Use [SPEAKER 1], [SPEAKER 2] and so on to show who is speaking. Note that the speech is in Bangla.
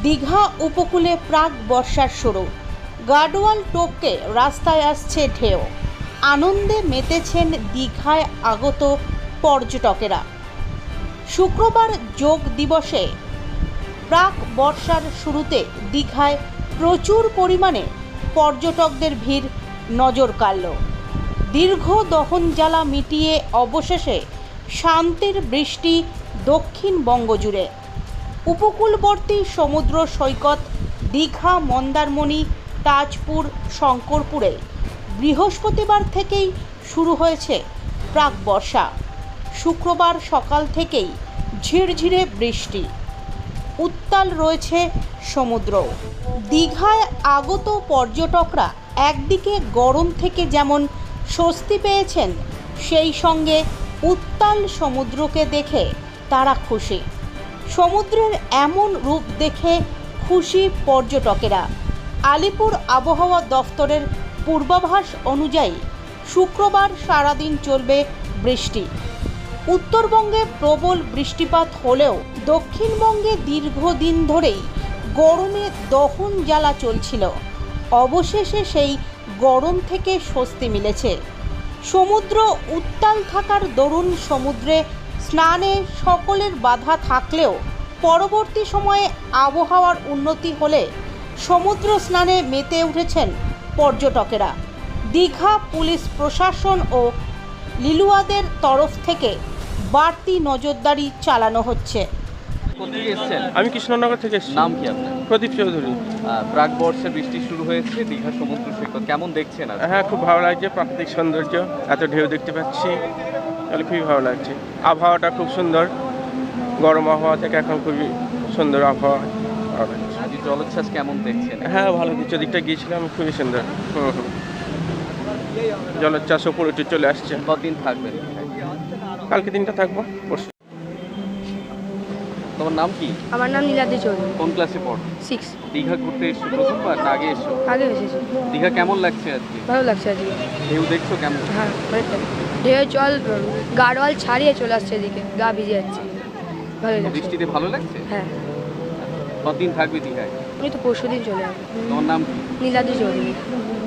[SPEAKER 1] দীঘা উপকূলে প্রাক বর্ষার শুরু, গার্ডওয়াল টপকে রাস্তায় আসছে ঢেউ। আনন্দে মেতেছেন দীঘায় আগত পর্যটকেরা। শুক্রবার যোগ দিবসে প্রাক বর্ষার শুরুতে দীঘায় প্রচুর পরিমাণে পর্যটকদের ভিড় নজর কাড়ল। দীর্ঘ দহন জ্বালা মিটিয়ে অবশেষে শান্তির বৃষ্টি দক্ষিণবঙ্গ জুড়ে। উপকূলবর্তী সমুদ্র সৈকত দীঘা, মন্দারমণি, তাজপুর, শঙ্করপুরে বৃহস্পতিবার থেকেই শুরু হয়েছে প্রাক বর্ষা। শুক্রবার সকাল থেকেই ঝিরঝিরে বৃষ্টি, উত্তাল রয়েছে সমুদ্র। দীঘায় আগত পর্যটকরা একদিকে গরম থেকে যেমন স্বস্তি পেয়েছেন, সেই সঙ্গে উত্তাল সমুদ্রকে দেখে তারা খুশি। সমুদ্রের এমন রূপ দেখে খুশি পর্যটকেরা। আলিপুর আবহাওয়া দফতরের পূর্বাভাস অনুযায়ী শুক্রবার সারাদিন চলবে বৃষ্টি। উত্তরবঙ্গে প্রবল বৃষ্টিপাত হলেও দক্ষিণবঙ্গে দীর্ঘদিন ধরেই গরমে দহন জ্বালা চলছিল। অবশেষে সেই গরম থেকে স্বস্তি মিলেছে। সমুদ্র উত্তাল থাকার দরুন সমুদ্রে স্নানে সকলের বাধা থাকলেও পরবর্তী সময়ে আবহাওয়ার উন্নতি হলে সমুদ্র স্নানে মেতে উঠেছেন পর্যটকেরা। দীঘা পুলিশ প্রশাসন ও লিলুয়াদের তরফ থেকে বাড়তি নজরদারি চালানো হচ্ছে।
[SPEAKER 2] কোথেকে এসেছেন?
[SPEAKER 3] আমি কৃষ্ণনগর থেকে এসেছি।
[SPEAKER 2] নাম কি আপনার?
[SPEAKER 3] প্রদীপ চৌধুরী।
[SPEAKER 2] প্রাক বর্ষার বৃষ্টি শুরু হয়েছে দীঘা সমুদ্র সৈকত, কেমন দেখছেন আজ?
[SPEAKER 3] হ্যাঁ, খুব ভালো লাগছে। প্রাকৃতিক সৌন্দর্য, এত ঢেউ দেখতে পাচ্ছি, তাহলে খুবই ভালো লাগছে। আবহাওয়াটা খুব সুন্দর, গরম আবহাওয়া থেকে এখন খুবই সুন্দর আবহাওয়া। ভালো লাগছে।
[SPEAKER 2] আজ জলোচ্ছ্বাস কেমন দেখছেন?
[SPEAKER 3] হ্যাঁ, ভালো দিচ্ছে। দিকটা গিয়েছিলাম, খুবই সুন্দর। জলোচ্ছ্বাস উপরে উঠে চলে আসছে।
[SPEAKER 2] কতদিন থাকবেন?
[SPEAKER 3] কালকে দিনটা থাকবো, পরশু।
[SPEAKER 2] তোমার নাম কি?
[SPEAKER 4] আমার নাম নীলাদ্রি চৌধুরী,
[SPEAKER 2] কোন ক্লাসে পড়ো?
[SPEAKER 4] 6
[SPEAKER 2] দীঘা ঘুরতে এসছো প্রথমবার না আগে এসছো?
[SPEAKER 4] আগে এসেছি।
[SPEAKER 2] দীঘা কেমন লাগছে আজকে?
[SPEAKER 4] ভালো লাগছে আজকে।
[SPEAKER 2] ঢেউ দেখছো কেমন?
[SPEAKER 4] হ্যাঁ, অনেকটা ঢেউ জল গাড়োয়াল ছাড়িয়ে চলে আসছে এদিকে, গা ভিজে যাচ্ছে। ভালো লাগছে।
[SPEAKER 2] বৃষ্টিতে ভালো লাগছে?
[SPEAKER 4] হ্যাঁ,
[SPEAKER 2] কতদিন থাকবে দীঘায়?
[SPEAKER 4] আমি তো পরশুদিন চলে আসবো।
[SPEAKER 2] তোমার নাম কি?
[SPEAKER 4] নীলাদ্রি চৌধুরী।